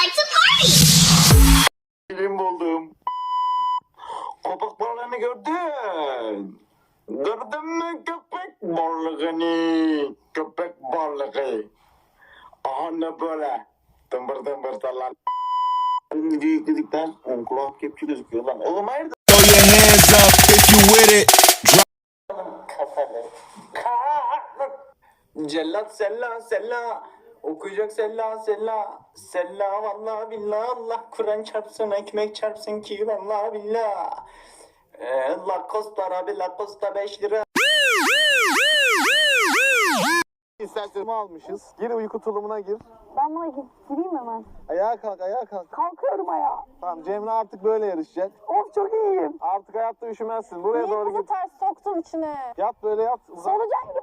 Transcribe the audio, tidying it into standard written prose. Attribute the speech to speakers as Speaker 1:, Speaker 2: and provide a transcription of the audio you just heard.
Speaker 1: like to party.
Speaker 2: Film buldum. Köpek balığını gördün. Gördün mü köpek balığını? Köpek balığı. Aha ne böyle? Tımbır tımbır sallan. Videoyu yükledikten kulağım kepçe gözüküyor lan. Oğlum hayırdır?
Speaker 3: Throw your hands up if you with it.
Speaker 2: Kafalı. Cellat sella sella. Okuyacak sella sella. Sella vallahi billah Allah Kur'an çarpsın ekmek çarpsın ki vallahi billah. Lacoste abi Lacoste 5 lira.
Speaker 4: İstersen almışız. Gir uyku tulumuna gir.
Speaker 5: Ben buna gireyim hemen.
Speaker 4: Ayağa kalk, ayağa kalk.
Speaker 5: Kalkıyorum ayağa.
Speaker 4: Tamam, Cemre artık böyle yarışacak.
Speaker 5: Of çok iyiyim.
Speaker 4: Artık hayatta üşümezsin. Buraya
Speaker 5: Niye
Speaker 4: doğru
Speaker 5: kızı
Speaker 4: git.
Speaker 5: ters soktun içine?
Speaker 4: Yat böyle yat. Uzan.
Speaker 5: Solucan gibi